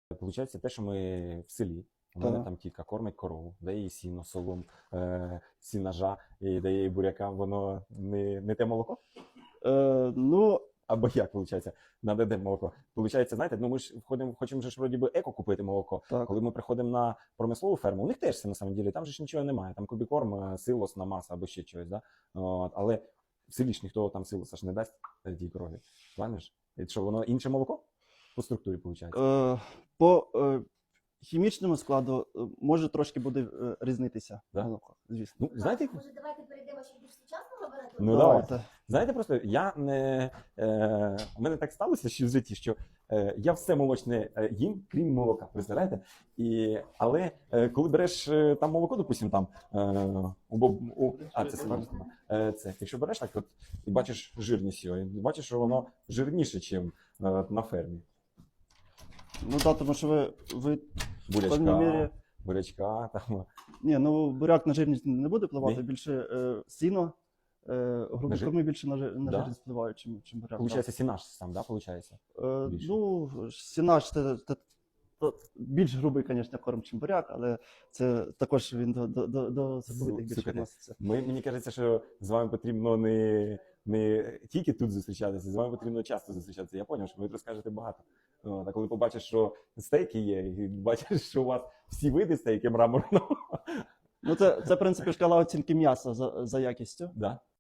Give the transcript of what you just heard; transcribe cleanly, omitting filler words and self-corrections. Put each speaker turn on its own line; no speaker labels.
Получається те, що ми в селі. У мене там тітка кормить корову, дає їй сіно, солом, сінажа, і дає їй буряка, воно не те молоко?
Ну,
Або як, виходить, надо де молоко. Получається, знаєте, ну ми ж хочемо ж вроді би еко купити молоко.
так.
Коли ми приходимо на промислову ферму, у них теж все на самом деле, там же ж нічого немає. Там кубікорм, силос, намаса або ще чогось, да? От, але в селі ж ніхто там силоса ж не дасть тій корові. Правильно ж? І що, воно інше молоко? По структурі, виходить?
По хімічному складу може трошки буде різнитися
Да?
молоко, звісно.
Ну, знаєте,
Може, давайте перейдемо ще більш сучасно говорити?
Ну,
Давайте.
знаєте, просто я не у мене так сталося ще в житті, що я все молочне їм, крім молока, представляєте? Але коли береш там молоко, допустим, там це смажено. Якщо береш так, от і бачиш жирність його, і бачиш, що воно жирніше, ніж на фермі.
Ну так, тому що ви в певній мірі...
Бурячка, там.
Ні, ну буряк на жирність не буде впливати,
Ні?
більше сіно, грубі корми більше на
Да?
жирність впливають, чим буряк.
Получається, сінаж сам, да, получається? більше?
Ну, сінаж це більш грубий, звісно, корм, чим буряк, але це також він до соковитих більше
Слухайте,
відноситься.
Мені кажеться, що з вами потрібно не тільки тут зустрічатися, з вами потрібно часто зустрічатися. Я зрозумів, що ви розкажете багато. А коли побачиш, що стейки є, і бачиш, що у вас всі види стейки мраморного.
Ну, це в принципі, шкала оцінки м'яса за якістю.
Да?